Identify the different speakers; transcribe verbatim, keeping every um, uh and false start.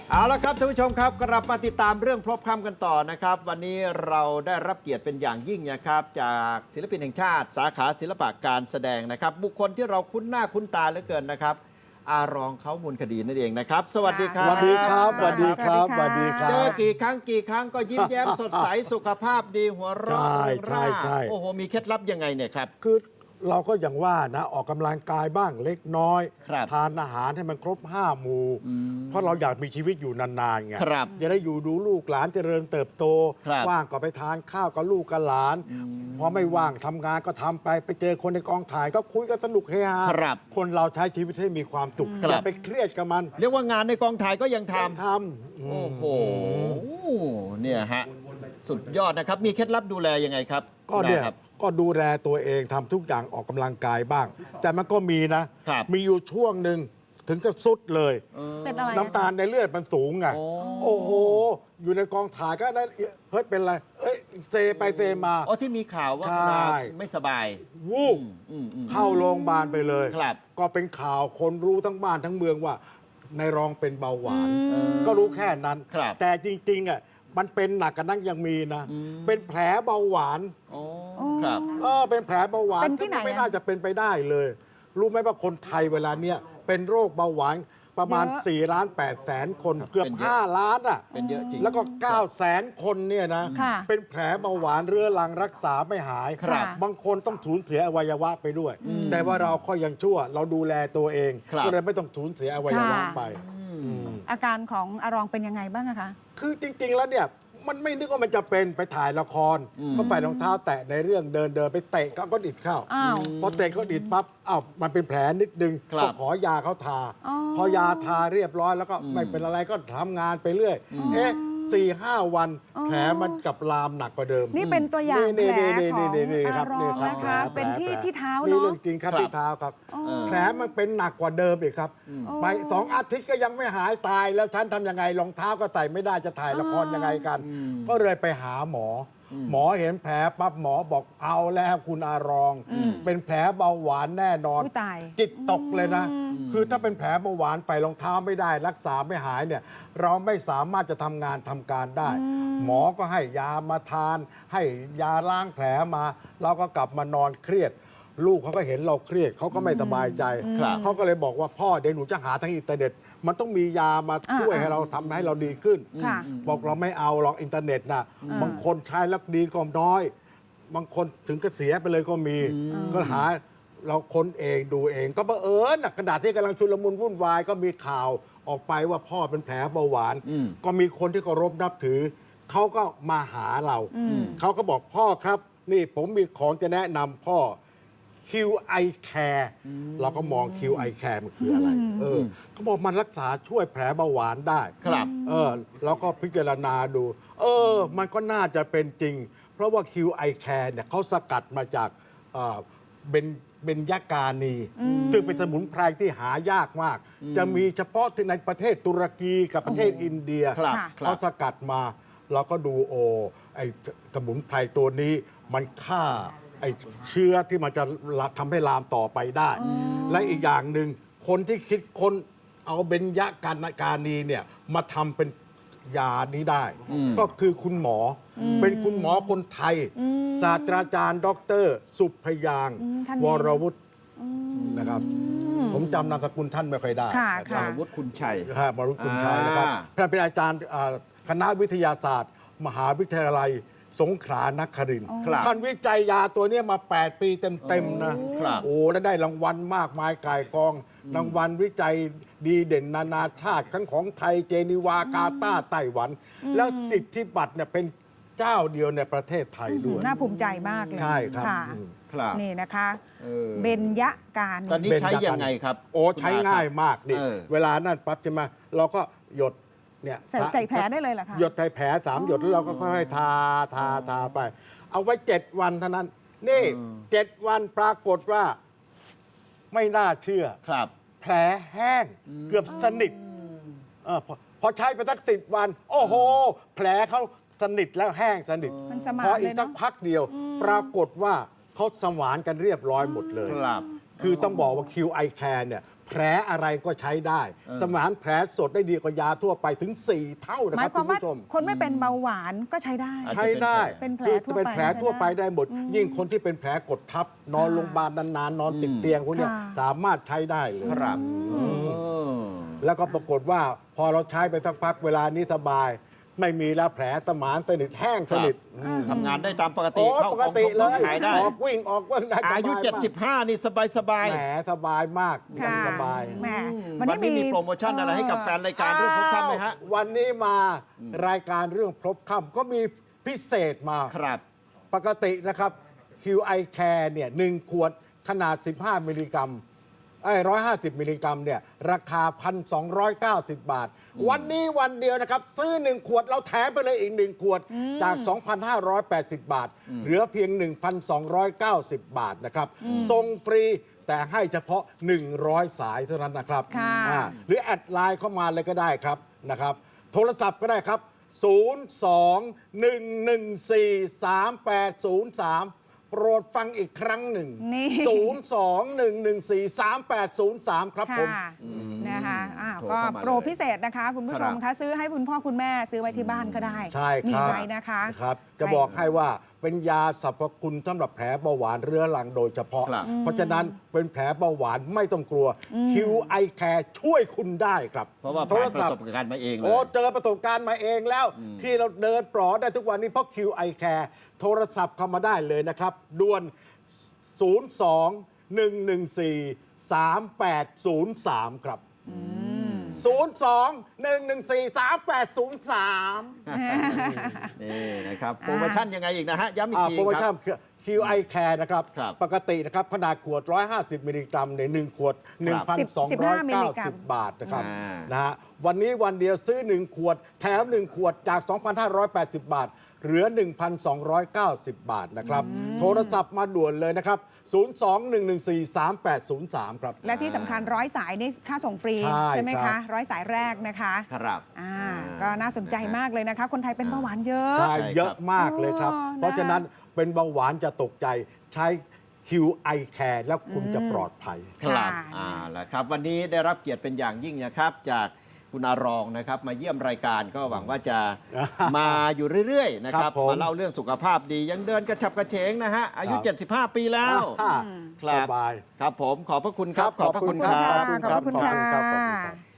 Speaker 1: เอาละครับท่านผู้ชมครับกลับมาติดตามเรื่องพลบค่ำกันต่อนะครับวันนี้เราได้รับเกียรติเป็นอย่างยิ่งนะครับจากศิลปินแห่งชาติ สาขาศิลปะการแสดงนะครับบุคคลที่เราคุ้นหน้าคุ้นตาเหลือเกินนะครับอารองเขามูลคดีนั่นเองนะครับสวัสดีครับ
Speaker 2: สวัสดีครับสวัสดีครับสวัสดีครั
Speaker 1: เจอบ กี่ครั้งกี่ครั้งก็ยิ้มแย้มสดใสสุขภาพดีหัวเราะ
Speaker 2: ใช่
Speaker 1: เริงร่า
Speaker 2: ใช่ใช่
Speaker 1: โอ้โหมีเคล็ดลับยังไงเนี่ยครับ
Speaker 2: คือเราก็อย่างว่านะออกกำลังกายบ้างเล็กน้อย
Speaker 1: ครับ
Speaker 2: ทานอาหารให้มันครบห้าหมู่ เพราะเราอยากมีชีวิตอยู่นานๆไง
Speaker 1: ครับ
Speaker 2: จะได้อยู่ดูลูกหลานเจริญเติบโต
Speaker 1: ครับ
Speaker 2: ว่างก็ไปทานข้าวกับลูกกับหลานพอไม่ว่างทำงานก็ทำไปไปเจอคนในกองถ่ายก็คุยกันสนุกเฮฮา
Speaker 1: ครับ
Speaker 2: คนเราใช้ชีวิตให้มีความสุข
Speaker 1: ครับ
Speaker 2: อย่าไปเครียดกับมัน
Speaker 1: เรียกว่างานในกองถ่ายก็ยังทำ
Speaker 2: ทำอื
Speaker 1: โอ้
Speaker 2: ม
Speaker 1: โห เนี่ยฮะ สุดยอดนะครับ มีเคล็ดลับดูแลยังไงครับ
Speaker 2: ก็เนี่ย
Speaker 1: ครับ
Speaker 2: ก็ดูแลตัวเองทำทุกอย่างออกกำลังกายบ้าง แต่มันก็มีนะ
Speaker 1: ครับ
Speaker 2: มีอยู่ช่วงหนึ่งถึงกับสุดเลย
Speaker 3: เป็นอะไร
Speaker 2: น้ำตาลในเลือดมันสูงไง
Speaker 1: โอ้
Speaker 2: โอ้โห อยู่ในกองถ่ายก็ได้เฮ้ยเป็นไรเอ้ยเซไปเซมา
Speaker 1: อ๋อที่มีข่าวว่า
Speaker 2: ใช่
Speaker 1: ไม่สบาย
Speaker 2: วูบ
Speaker 1: อืมอืม
Speaker 2: เข้าโรงพยาบาลไปเลย
Speaker 1: ครับ
Speaker 2: ก็เป็นข่าวคนรู้ทั้งบ้านทั้งเมืองว่า ในรองเป็นเบาหวาน ก็รู้แค่นั้น
Speaker 1: ครับ
Speaker 2: แต่จริงๆอ่ะมันเป็นหนักกันนั่งยังมีนะ เป็นแผลเบาหวาน
Speaker 1: โอ้ครับ
Speaker 2: เออเป็นแผลเบาหวาน
Speaker 3: เป็นที่ไหนอะ
Speaker 2: ไม่น่าจะเป็นไปได้เลย รู้ไหมว่าคนไทยเวลาเนี้ยเป็นโรคเบาหวานประมาณ
Speaker 3: เยอะ
Speaker 2: สี่ล้านแปดแสนคน
Speaker 1: ครับ
Speaker 2: เกือบ
Speaker 1: เป็นเยอะ
Speaker 2: ห้าล้านอ่ะ
Speaker 1: เป็นเยอะจริง
Speaker 2: แล้วก็เก้าแสนคนเนี่ยนะ
Speaker 3: ค่ะ
Speaker 2: เป็นแผลเบาหวานเรื้อรังรักษาไม่หาย
Speaker 1: ครับ
Speaker 2: บางคนต้องสูญเสียอวัยวะไปด้วย แต่ว่าเราก็ยังชั่ว เราดูแลตัวเอง
Speaker 1: ครับ
Speaker 2: ก็เลยไม่ต้องสูญเสียอวัยวะ
Speaker 3: ค่ะ
Speaker 2: ไป
Speaker 3: อาการของอารองเป็นยังไงบ้างอะคะ
Speaker 2: คือจริง ๆ แล้วเนี่ยมันไม่นึกว่ามันจะเป็นไปถ่ายละคร ก็ใส่รองเท้าแตะในเรื่องเดินเดินไปเตะก็ก็ดิดเข้า
Speaker 3: อ้าว
Speaker 2: พอเตะก็ดิดปั๊บอ้าวมันเป็นแผลนิดนึง
Speaker 1: ครับ
Speaker 2: ก็ขอยาเขาทา
Speaker 3: อ๋อ
Speaker 2: พอยาทาเรียบร้อยแล้วก็ไม่เป็นอะไรก็ทำงานไปเรื่อย เอ๊ะสี่ห้าวันแผลมันกลับลามหนักกว่าเดิม
Speaker 3: นี่เป็นตัวอย่าง
Speaker 2: นี่
Speaker 3: แผล
Speaker 2: นี่
Speaker 3: ข
Speaker 2: นี่
Speaker 3: อง
Speaker 2: นี่นี่ค
Speaker 3: อา
Speaker 2: รับ
Speaker 3: รอ
Speaker 2: นี่
Speaker 3: ง
Speaker 2: ครับ
Speaker 3: นะ
Speaker 2: แผล
Speaker 3: คะ
Speaker 2: แผล
Speaker 3: เป็นที่
Speaker 2: แผล
Speaker 3: ที่เท้า
Speaker 2: นี่
Speaker 3: เนาะ
Speaker 2: เรื่องจริงครับ
Speaker 1: ครับ
Speaker 2: ที่เท้าครับ แผลมันเป็นหนักกว่าเดิมอีกครับ ไปสองอาทิตย์ก็ยังไม่หายตายแล้วฉันทำยังไงรองเท้าก็ใส่ไม่ได้จะถ่ายละครยังไงกัน ก็เลยไปหาหมออหมอเห็นแผลปั๊บหมอบอกเอาแล้วคุณอารอง เป็นแผลเบาหวานแน่นอน
Speaker 3: อุ๊ยตาย
Speaker 2: จิตตกเลยนะ คือถ้าเป็นแผลเบาหวานใส่รองเท้าไม่ได้ รักษาไม่หายเนี่ย เราไม่สามารถจะทำงานทำการได้ หมอก็ให้ยามาทาน ให้ยาล้างแผลมา เราก็กลับมานอนเครียด ลูกเขาก็เห็นเราเครียดเขาก็ไม่สบายใจ
Speaker 1: ครับ
Speaker 2: เขาก็เลยบอกว่าพ่อเดี๋ยวหนูจะหาทางอินเทอร์เน็ต มันต้องมียามาช่วย
Speaker 3: อ่า
Speaker 2: ให้เราทำให้เราดีขึ้น
Speaker 3: ค่ะ
Speaker 2: บอกเราไม่เอาหรอกอินเทอร์เน็ตนะบางคนใช้แล้วดีก็น้อย บางคนถึงก็เสียไปเลยก็มี ก็หาเราค้นเองดูเอง ก็บังเอิญนะขณะที่กำลังชุลมุนวุ่นวายก็มีข่าวออกไปว่าพ่อเป็นแผลเบาหวาน ก็มีคนที่เคารพนับถือ เขาก็มาหาเรา เขาก็บอกพ่อครับ นี่ผมมีของจะแนะนำพ่อ คิว ไอ Care เราก็มอง คิว ไอ Care มันคืออะไร เออเขาบอกมันรักษาช่วยแผลเบาหวานได้
Speaker 1: ครับ
Speaker 2: เออเราก็พิจารณาดู เออ มันก็น่าจะเป็นจริง เพราะว่า คิว ไอ Care เนี่ยเขาสกัดมาจากเอ่อเบนเบญจกานี ซึ่งเป็นสมุนไพรที่หายากมาก จะมีเฉพาะที่ในประเทศตุรกีกับประเทศอินเดีย
Speaker 1: ครับ
Speaker 3: ค่ะ
Speaker 1: ครั
Speaker 2: เขา
Speaker 1: บ
Speaker 2: สกัดมา เราก็ดูโอไอ้สมุนไพรตัวนี้มันฆ่าไอ้เชื้อที่มันจะทำให้ลามต่อไปได้ และอีกอย่างหนึ่งคนที่คิดคนเอาเบญจกานีเนี่ยมาทำเป็นยานี้ได้ ก็คือคุณหมออเป็นคุณหมอคนไทย ศาสตราจารย์ ดร สุพยางค์
Speaker 3: อืมท่านนี้
Speaker 2: วรวุฒินะครับ ผมจำนามสกุลท่านไม่ค่อยได้
Speaker 3: ค่ะ
Speaker 2: นะค
Speaker 3: ค่ะ
Speaker 2: รับ
Speaker 1: วุฒิคุณชัย
Speaker 2: ครับวรวุฒิคุณชัยนะครับ
Speaker 1: อ่า
Speaker 2: ท่านเป็นอาจารย์อ่าคณะวิทยาศาสตร์ มหาวิทยาลัยสงขลานครินทร์
Speaker 1: ครับ
Speaker 2: ท่านวิจัยยาตัวเนี้ยมา แปด ปีเต็มๆนะครับ โอ้แล้วได้รางวัลมากมายก่ายกองรางวัลวิจัยดีเด่นนานาชาติ ทั้งของไทยเจนีวากาตาร์ไต้หวัน แล้วสิทธิบัตรเนี่ยเป็นเจ้าเดียวในประเทศไทยด้วย
Speaker 3: น่าภูมิใจมากเลย
Speaker 2: ใช่ครับ
Speaker 3: ค่ะ
Speaker 2: อืม
Speaker 1: ครับ
Speaker 3: นี่นะคะ
Speaker 1: เออ
Speaker 3: เบญจการ
Speaker 1: ตอนนี้ใช้ยังไงครับ
Speaker 2: โอ้ใช้ง่ายมากนี่
Speaker 1: เออ
Speaker 2: เวลานั่นปั๊บใช่ไหมเราก็หยดเนี่ย
Speaker 3: ใส่ใส่แผลได้เลยเหรอคะ
Speaker 2: หยดใส่แผลสามหยดแล้วเราก็ค่อยๆทาทาทาไป เอาไว้เจ็ดวันเท่านั้น นี่เจ็ดวันปรากฏว่า ไม่น่าเชื่อ
Speaker 1: ครับ
Speaker 2: แผลแห้งเกือบสนิทเออพอพอใช้ไปสักสิบวัน โอ้โห แผลเขาสนิทแล้วแห้งสนิท
Speaker 3: มันสมาน
Speaker 2: พออี
Speaker 3: เล
Speaker 2: ก
Speaker 3: ย
Speaker 2: สัก
Speaker 3: เนาะ
Speaker 2: พักเดียว ปรากฏว่าเขาสมานกันเรียบร้อยหมดเลย
Speaker 1: ครับ
Speaker 2: คือต้องบอกว่า คิว ไอ Care เนี่ยแผลอะไรก็ใช้ได้ สมานแผลสดได้ดีกว่ายาทั่วไปถึง สี่ เท่านะ
Speaker 3: ห
Speaker 2: ค
Speaker 3: มา
Speaker 2: รั
Speaker 3: ย
Speaker 2: บ
Speaker 3: ความ
Speaker 2: คุณ
Speaker 3: ว่า
Speaker 2: ผู้ชม
Speaker 3: คนไม่เป็นเบาหวานก็ใช้ได้
Speaker 1: อาจจะ
Speaker 2: ใช้ได้
Speaker 3: เป็นแผล
Speaker 2: คือ
Speaker 3: ทั่วไป
Speaker 2: เป็นแผลทั่วไปได้หมด
Speaker 3: อืม
Speaker 2: ยิ่งคนที่เป็นแผลกดทับ นอนโรงพยาบาลนานๆ นอนติดเตียงพวกเนี้ย
Speaker 3: ค่ะ
Speaker 2: สามารถใช้ได้เลย
Speaker 1: ครับอืม
Speaker 2: แล้วก็ปรากฏว่าพอเราใช้ไปสักพักเวลานี้สบาย ไม่มีแล้วแผลสมานสนิทแห้งสนิท
Speaker 1: ทำงานได้ตามปกติ
Speaker 2: โอ้
Speaker 1: เข้า
Speaker 2: ปกติเล
Speaker 1: ของ
Speaker 2: ย
Speaker 1: ขายได้
Speaker 2: ออกวิ่งออกวิ่งได้สบ
Speaker 1: อายุ
Speaker 2: มก
Speaker 1: เจ็ดสิบห้านี่สบายสบาย
Speaker 2: แหมสบายมาก
Speaker 3: ค่ะ
Speaker 2: สบาย
Speaker 3: แหม
Speaker 1: วันนี้มีโปรโมชั่นอะไรให้กับแฟนรายการเรื่องพบค่ำไหมฮะ
Speaker 2: อ้าววันนี้มารายการเรื่องพบค่ำก็มีพิเศษมา
Speaker 1: ครับ
Speaker 2: ปกตินะครับ คิว ไอ Care เนี่ยหนึ่งขวดขนาด สิบห้า มิลลิกรัมไอ้ร้อยห้าสิบมิลลิกรัมเนี่ยราคา หนึ่งพันสองร้อยเก้าสิบ บาท วันนี้วันเดียวนะครับ ซื้อ หนึ่ง ขวดเราแถมไปเลยอีก หนึ่ง ขวดจาก สองพันห้าร้อยแปดสิบ บาท เหลือเพียง หนึ่งพันสองร้อยเก้าสิบ บาทนะครับส่งฟรีแต่ให้เฉพาะ หนึ่งร้อย สายเท่านั้นนะครับ
Speaker 3: ค่ะ
Speaker 2: อ่าหรือแอดไลน์เข้ามาเลยก็ได้ครับนะครับ โทรศัพท์ก็ได้ครับ ศูนย์ สอง หนึ่ง หนึ่ง สี่ สาม แปด ศูนย์ สาม โปรดฟังอีกครั้งหนึ่ง
Speaker 3: นี่
Speaker 2: ศูนย์ สอง หนึ่ง หนึ่ง สี่ สาม แปด ศูนย์ สาม ครับผม
Speaker 3: ค่ะนะคะอ้าว
Speaker 1: โทร
Speaker 3: ก็
Speaker 1: เข้ามาเลย
Speaker 3: โปรพิเศษนะคะ คุณผู้ชม
Speaker 1: ครั
Speaker 3: คะ
Speaker 1: บ
Speaker 3: ซื้อให้คุณพ่อคุณแม่ซื้อไว้ที่บ้านก็ได้
Speaker 2: ใช่
Speaker 3: มี
Speaker 2: ครับ
Speaker 3: ไว้นะคะ
Speaker 2: ครับ จะบอกให้ว่าเป็นยาสรรพคุณสำหรับแผลเบาหวานเรื้อรังโดยเฉพาะ
Speaker 1: ครับ
Speaker 2: เพราะฉะนั้นเป็นแผลเบาหวานไม่ต้องกลัว คิว ไอ Care ช่วยคุณได้ครับ
Speaker 1: เพราะว่า
Speaker 2: โท
Speaker 1: ผ่าร นประ
Speaker 2: ศัพ
Speaker 1: ส
Speaker 2: ท์
Speaker 1: บการณ์มาเองเล
Speaker 2: โอ้
Speaker 1: ย
Speaker 2: เจอประสบการณ์มาเองแล้ว ที่เราเดินปลอดได้ทุกวันนี้เพราะ คิว ไอ Care โทรศัพท์เข้ามาได้เลยนะครับด่วน ศูนย์ สอง หนึ่ง หนึ่ง สี่ สาม แปด ศูนย์ สาม ครับ ศูนย์ สอง หนึ่ง หนึ่ง สี่ สาม แปด ศูนย์ สาม
Speaker 1: นี่นะครับ โปรโมชั่นยังไงอีกนะฮะ ย้ำอีก
Speaker 2: อ่า
Speaker 1: ที
Speaker 2: โปรโม
Speaker 1: ค
Speaker 2: ชั่
Speaker 1: รั
Speaker 2: น
Speaker 1: บ
Speaker 2: คิว ไอ Care นะครับ
Speaker 1: ครับ
Speaker 2: ปกตินะครับขนาดขวด หนึ่งร้อยห้าสิบ มิลลิกรัมในหนึ่งขวด หนึ่งพันสองร้อยเก้าสิบ บาทนะครับ
Speaker 1: อ่าน
Speaker 2: นะฮะวันนี้วันเดียวซื้อ หนึ่ง ขวด แถม หนึ่ง ขวดจาก สองพันห้าร้อยแปดสิบ บาท เหลือ หนึ่งพันสองร้อยเก้าสิบ บาทนะครับ โทรศัพท์มาด่วนเลยนะครับ ศูนย์ สอง หนึ่ง หนึ่ง สี่ สาม แปด ศูนย์ สาม ครับ
Speaker 3: และที่สำคัญร้อยสายนี่ค่าส่งฟรี
Speaker 2: ใช่
Speaker 3: ไหม
Speaker 2: ครั
Speaker 3: คะ
Speaker 2: บ
Speaker 3: ร้อยสายแรกนะคะ
Speaker 1: ครับ
Speaker 3: อ่าก็น่าสนใจมากเลยนะคะ คนไทยเป็นเบาหวานเยอะ
Speaker 2: ใช่
Speaker 1: ใช่ครับ
Speaker 2: เยอะมากเลยครับ
Speaker 3: อ๋อ
Speaker 2: เพราะฉะนั้นเป็นเบาหวานจะตกใจใช้ คิว ไอ Care แล้วคุณจะปลอดภัย
Speaker 1: ครับ
Speaker 3: ค่ะ
Speaker 1: อ่าแล้วครับ วันนี้ได้รับเกียรติเป็นอย่างยิ่งนะครับ จากคุณอารองนะครับ มาเยี่ยมรายการก็หวังว่าจะ มาอยู่เรื่อยๆ นะค
Speaker 2: ครั
Speaker 1: รับบ
Speaker 2: ผม
Speaker 1: มาเล่าเรื่องสุขภาพดี ยังเดินกระฉับกระเฉงนะฮะ อายุ
Speaker 2: ครับ
Speaker 1: เจ็ดสิบห้า ปีแล้ว
Speaker 2: อ่า
Speaker 1: ครับ
Speaker 2: สบาย
Speaker 1: ครับผมขอบพระคุณครับ
Speaker 2: ครับ
Speaker 1: ขอบพระคุณครับ
Speaker 3: ขอบพระคุณค่ะ
Speaker 2: ขอบคุณครับขอบคุณครับ